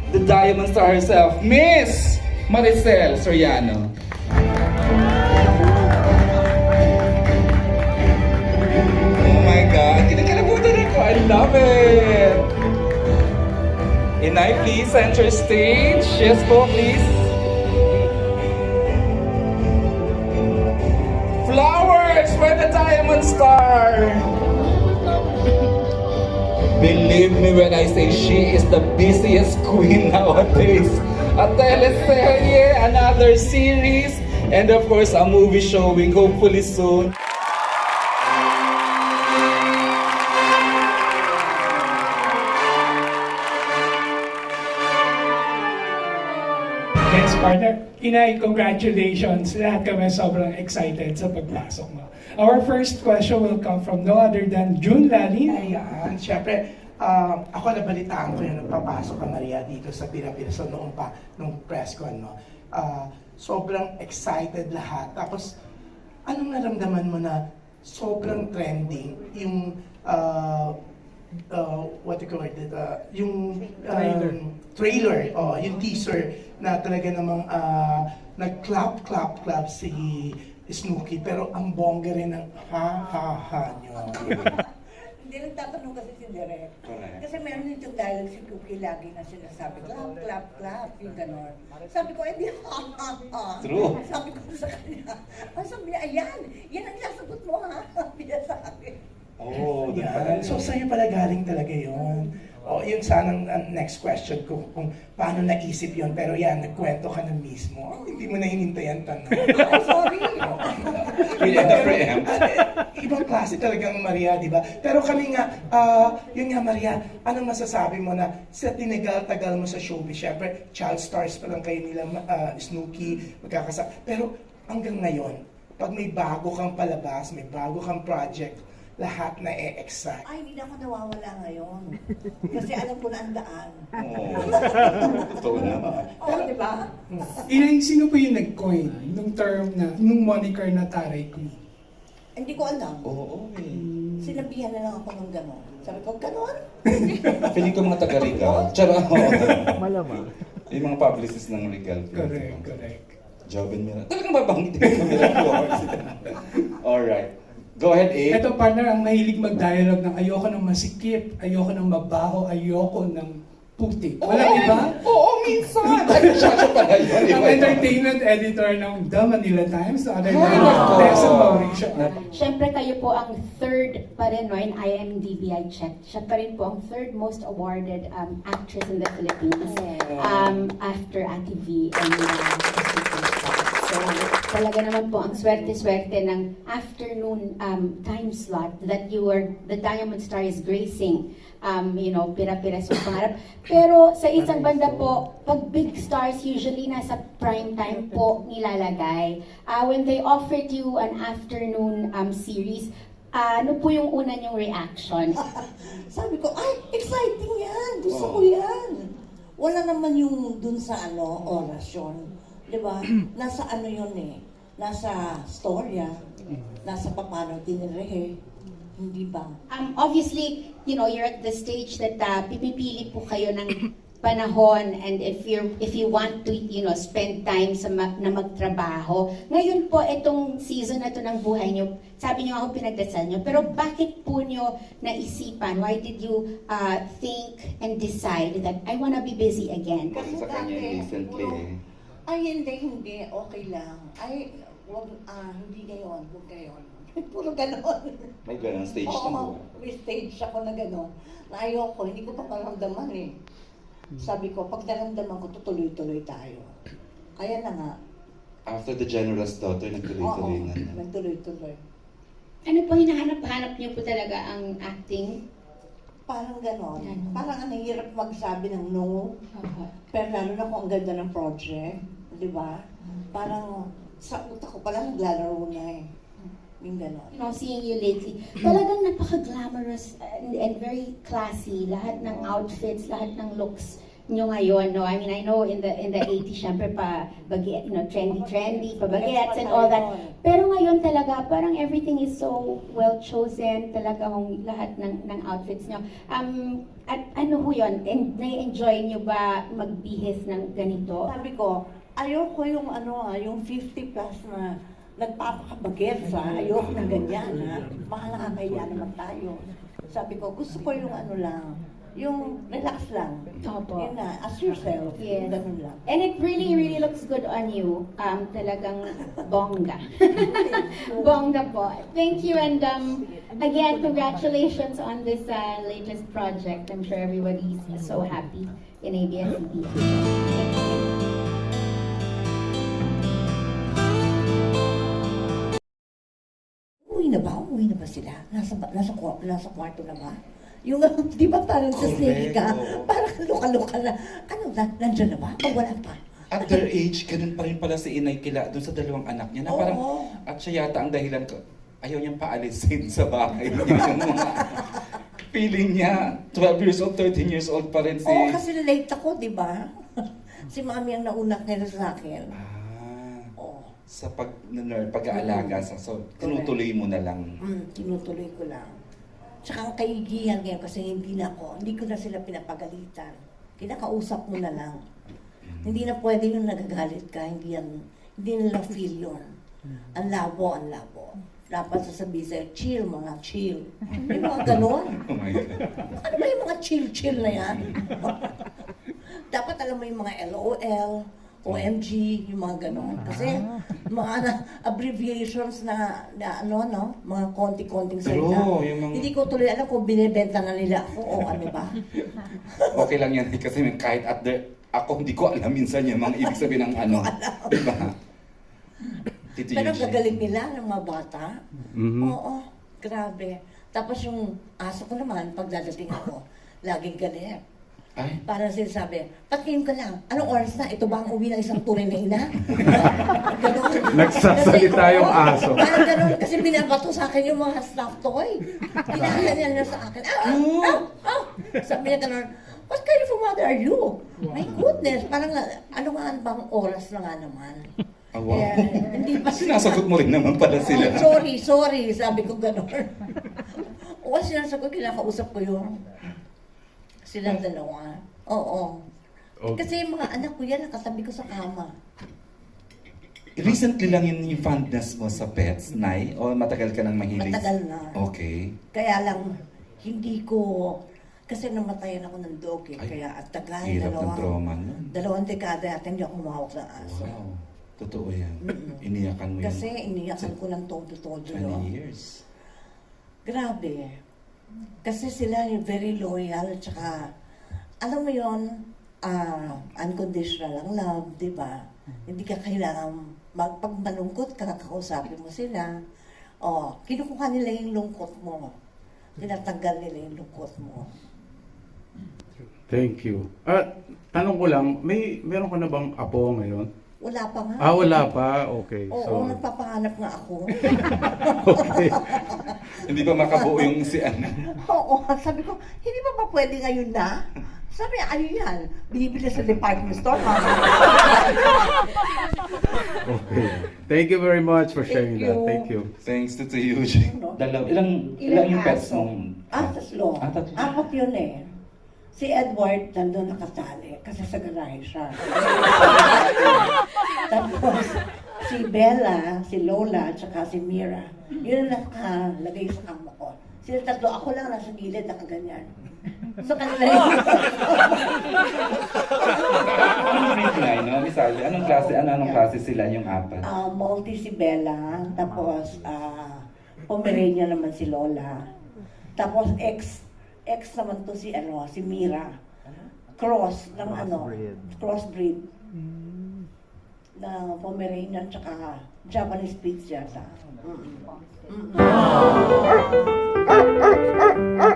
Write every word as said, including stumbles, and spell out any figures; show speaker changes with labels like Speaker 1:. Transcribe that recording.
Speaker 1: the Diamond Star herself, Miss Maricel Soriano. Oh my God, kinakalabutan ako. I love it. Inay, please enter stage. Yes po, please. Flowers for the Diamond Star. Believe me when I say she is the busiest queen nowadays. A teleserye, another series, and of course a movie showing hopefully soon.
Speaker 2: Yes, partner. Inay, congratulations. Lahat kami sobrang excited sa pagpasok mo. Our first question will come from no other than June Lalin.
Speaker 3: Ayan, syempre, uh, ako nabalitaan ko yung nagpapasok ka Maria dito sa Pilipinas noong pa, nung press con, no? Uh, sobrang excited lahat. Tapos, anong naramdaman mo na sobrang trending yung uh, uh, what do you call it, uh, yung um,
Speaker 2: Trailer.
Speaker 3: trailer, oh, yung teaser na talaga namang uh, nag-clap, clap, clap si Snooki, pero ang bongga rin ng ha-ha-ha nyo.
Speaker 4: Hindi nagtatanong kasi si Direk.
Speaker 1: Correct.
Speaker 4: Kasi meron itong dialogue si Cookie lagi na sinasabi, clap, clap, clap, yung gano'n. Sabi ko, eh di ha, ha, ha.
Speaker 1: True.
Speaker 4: Sabi ko sa kanya, ah, sabi niya, ayan, yan ang sasagot mo ha, sabi niya sa akin.
Speaker 1: Oh, doon pala
Speaker 3: Yan. So sa'yo pala galing talaga yun. O, yun sanang ang next question ko, kung paano naisip yun. Pero yan, nagkwento ka na mismo. Oh, hindi mo na hinintayan tanong.
Speaker 4: Ay, sorry.
Speaker 1: Really, the preempt.
Speaker 3: Ibang klase talagang Maria, di ba? Pero kami nga, ah, yun nga Maria, anong masasabi mo na sa tinagal-tagal mo sa showbiz? Siyempre, child stars pa lang kayo nila, ah, Snooki, magkakasa. Pero hanggang ngayon, pag may bago kang palabas, may bago kang project, lahat na e-excite.
Speaker 4: Ay, hindi na ako nawawala ngayon. Kasi alam ko na ang daan.
Speaker 1: Oh, totoo naman.
Speaker 4: Oo, di ba?
Speaker 2: Inay, sino po yung nag-coin nung term na, nung moniker na Taray Queen?
Speaker 4: Hindi ko alam.
Speaker 1: Oo, eh.
Speaker 4: Sinabihan na lang ako ng gano'n. Sabi ko, gano'n?
Speaker 1: Feeling ko mga taga-Regal. Tsara,
Speaker 5: Malamang.
Speaker 1: yung mga publicist ng Regal.
Speaker 2: Correct, correct.
Speaker 1: Jobin Mira. Talagang babanggitin ko Mira Flowers. Alright. Go ahead, A.
Speaker 2: Ito partner, ang mahilig mag-dialogue ng ayoko ng masikip, ayoko ng mabaho, ayoko ng putik. Walang iba?
Speaker 1: Oo, minsan. Ay, siya siya pala yun.
Speaker 2: Ang
Speaker 1: Iba, iba.
Speaker 2: entertainment editor ng The Manila Times, no other than
Speaker 1: Ay, nako.
Speaker 2: Tessa Mauricio.
Speaker 6: Siyempre kayo po ang third pa rin no, in I M D B I checked. Siya pa rin po ang third most awarded um, actress in the Philippines um, after Ate V and uh, So talaga naman po ang swerte-swerte ng afternoon um, time slot that you were, the Diamond Star is gracing, um, you know, pira-pira sa pangarap. Pero sa isang banda po, pag big stars usually nasa prime time po nilalagay. Uh, when they offered you an afternoon um, series, uh, ano po yung una niyong reaction?
Speaker 4: Sabi ko, ay, exciting yan. Gusto ko
Speaker 1: Oh.
Speaker 4: yan. Wala naman yung dun sa ano, orasyon. Di ba? Nasa ano yun eh. Nasa storya. Nasa paano tinrehe. Hindi ba?
Speaker 6: Um, obviously, you know, you're at the stage that uh, pipipili po kayo ng panahon and if you if you want to, you know, spend time sa ma- na magtrabaho. Ngayon po, itong season na to ng buhay nyo, sabi nyo ako pinagdasal nyo, pero bakit po nyo naisipan? Why did you uh, think and decide that I wanna be busy again?
Speaker 1: Kasi sa kanya recently eh.
Speaker 4: Ay, hindi, hindi. Okay lang. Ay, wag, ah, hindi ngayon. Huwag ngayon. Puro ganon.
Speaker 1: May ganang stage
Speaker 4: Oo,
Speaker 1: na buhay.
Speaker 4: may stage ako na gano'n. Na ayoko, hindi ko pa maramdaman eh. Sabi ko, pag naramdaman ko, tutuloy-tuloy tayo. Kaya na nga.
Speaker 1: After the General's Daughter,
Speaker 4: Oo,
Speaker 1: nagtuloy-tuloy na. na.
Speaker 4: nagtuloy-tuloy.
Speaker 6: Ano po hinahanap-hanap nyo po talaga ang acting?
Speaker 4: Parang gano'n.
Speaker 6: Ganon.
Speaker 4: Parang ang hirap magsabi ng no.
Speaker 6: Uh,
Speaker 4: Pero lalo na kung ang ganda ng project. Di ba? Parang sa utak ko pala naglalaro na eh. Yung gano'n.
Speaker 6: you know, seeing you lately, talagang napaka-glamorous and, and very classy. Lahat ng outfits, lahat ng looks nyo ngayon, no? I mean, I know in the in the eighties, syempre pa, baguette, you know, trendy-trendy, pa baguettes and all that. Pero ngayon talaga, parang everything is so well chosen, talaga hong lahat ng, ng outfits nyo. Um, At ano ho yun? En- nai-enjoy nyo ba magbihis ng ganito?
Speaker 4: Sabi ko, ayoko yung ano ah, yung fifty plus na nagpapakabagets ha. Ayoko ng ganyan ha. Baka nakakahiya naman tayo. Sabi ko, gusto ko yung ano lang, yung relax lang.
Speaker 6: Opo.
Speaker 4: Yun na, as yourself.
Speaker 6: Yes.
Speaker 4: Ganun lang.
Speaker 6: And it really, really looks good on you. Um, talagang bongga. Bongga po. Thank you, and um, again, congratulations on this uh, latest project. I'm sure everybody's so happy in A B S C B N.
Speaker 4: Uwi na ba? Uwi na ba sila? Nasa, ba- nasa, kwa- nasa kwarto na ba? Yung, di ba parang sa
Speaker 1: Correct,
Speaker 4: snake ka?
Speaker 1: oo.
Speaker 4: Parang luka-luka na. Ano, na, nandyan na ba? O wala pa?
Speaker 1: At their age, ganun pa rin pala si Inay Kila doon sa dalawang anak niya na
Speaker 4: Oo.
Speaker 1: parang, at siya yata ang dahilan ko, ayaw niyang paalisin sa bahay. Yun yung mga feeling niya. twelve years old, thirteen years old pa rin si...
Speaker 4: Oo, kasi late ako, di ba? Si mami ang naunak nila sa akin.
Speaker 1: Ah,
Speaker 4: Oo.
Speaker 1: sa pag, ner- pag-aalaga. sa So, tinutuloy mo na lang.
Speaker 4: Mm, tinutuloy ko lang. Tsaka ang kaigihan ngayon kasi hindi na ako, hindi ko na sila pinapagalitan. Kinakausap mo na lang. Hindi na pwede yung nagagalit ka, hindi yan, hindi nila feel yun. Ang labo, ang labo. Dapat sasabihin sa'yo, chill mga chill. May mga ganon.
Speaker 1: Oh my God.
Speaker 4: Ano ba yung mga chill-chill na yan? Dapat alam mo yung mga L O L, O M G, yung mga ganon. Kasi mga na- abbreviations na, na ano, no? Mga konti-konting salita.
Speaker 1: True, yung mga-
Speaker 4: Hindi ko tuloy alam kung binibenta na nila ako o ano ba.
Speaker 1: Okay lang yan kasi kahit at the, ako hindi ko alam minsan yung mga ibig sabihin ng ano. Diba? Tito
Speaker 4: Pero
Speaker 1: Eugene.
Speaker 4: gagaling nila ng mga bata.
Speaker 1: Mhm.
Speaker 4: Oo, grabe. Tapos yung aso ko naman, pag dadating ako, laging galit.
Speaker 1: Ay,
Speaker 4: Parang sinasabi, patingin ka lang, anong oras na? Ito ba ang uwi ng isang tunay na ina? Ganon.
Speaker 5: Nagsasalita
Speaker 4: Kasi,
Speaker 5: yung
Speaker 4: oo,
Speaker 5: aso.
Speaker 4: Parang ganon, kasi binabato sa akin yung mga stuffed toy. Pinakala niya na sa akin, ah, ah, ah. Sabi niya ganon, what kind of a mother are you? My goodness, parang ano nga bang oras na nga naman?
Speaker 1: ah, wow.
Speaker 4: Kaya, hindi pa
Speaker 1: Sinasagot mo rin naman pala sila.
Speaker 4: Oh, sorry, sorry, sabi ko ganon. O kasi sinasagot, kinakausap ko yung silang dalawa. Oo.
Speaker 5: Okay.
Speaker 4: Kasi yung mga anak ko yan, nakatabi ko sa kama.
Speaker 1: Recently lang yun yung fondness mo sa pets, Nay? O matagal ka nang mahilig?
Speaker 4: Matagal na.
Speaker 1: Okay.
Speaker 4: Kaya lang, hindi ko, kasi namatayan ako ng dog eh.
Speaker 1: Ay,
Speaker 4: Kaya at tagal,
Speaker 1: Hirap ng
Speaker 4: dalawang,
Speaker 1: trauma nun.
Speaker 4: dalawang dekada at hindi ako umawak ng aso.
Speaker 1: Wow. Totoo yan.
Speaker 4: Mm-mm.
Speaker 1: Iniyakan mo yun.
Speaker 4: Kasi iniyakan ko ng todo-todo yun.
Speaker 1: twenty years.
Speaker 4: Grabe. Kasi sila yung very loyal, tsaka, alam mo yun, ah, unconditional ang love, di ba? Hindi ka kailangan, mag, pag malungkot ka, kakausapin mo sila. O, kinukuha nila yung lungkot mo. Tinatanggal nila yung lungkot mo.
Speaker 5: Thank you. At tanong ko lang, may meron ka na bang apo ngayon?
Speaker 4: Wala pa nga.
Speaker 5: Ah, wala pa. Okay.
Speaker 4: Oo,
Speaker 5: So,
Speaker 4: nagpapahanap nga ako.
Speaker 5: okay.
Speaker 1: Hindi pa makabuo yung si Ana.
Speaker 4: Oo, sabi ko, hindi pa ba pwede ngayon na? Sabi niya, ano yan? Bibili sa department store, mama.
Speaker 5: Okay. Thank you very much for sharing
Speaker 4: Thank
Speaker 5: that.
Speaker 4: you.
Speaker 5: Thank you.
Speaker 1: Thanks to Tito Eugene. Dalaw, ilang, ilang yung pets
Speaker 4: aso?
Speaker 1: mong...
Speaker 4: Ah, tatlo.
Speaker 1: Ah, tatlo.
Speaker 4: Apat yun eh. Si Edward, nandun nakatali kasi sa garahe siya. Tapos, si Bella, si Lola, at saka si Mira, yun ang nakalagay sa kama ko. Sila tatlo, ako lang nasa gilid, nakaganyan. So, kanila yun.
Speaker 1: Anong breed na yun, no? Misali, anong klase, ano, anong klase sila yung apat?
Speaker 4: Ah, Maltese si Bella, tapos ah, Pomeranian naman si Lola. Tapos ex ex naman to si ano, si Mira. Cross ng ano, crossbreed. Na Pomeranian tsaka Japanese Spitz yata. Mm-mm. Mm-mm.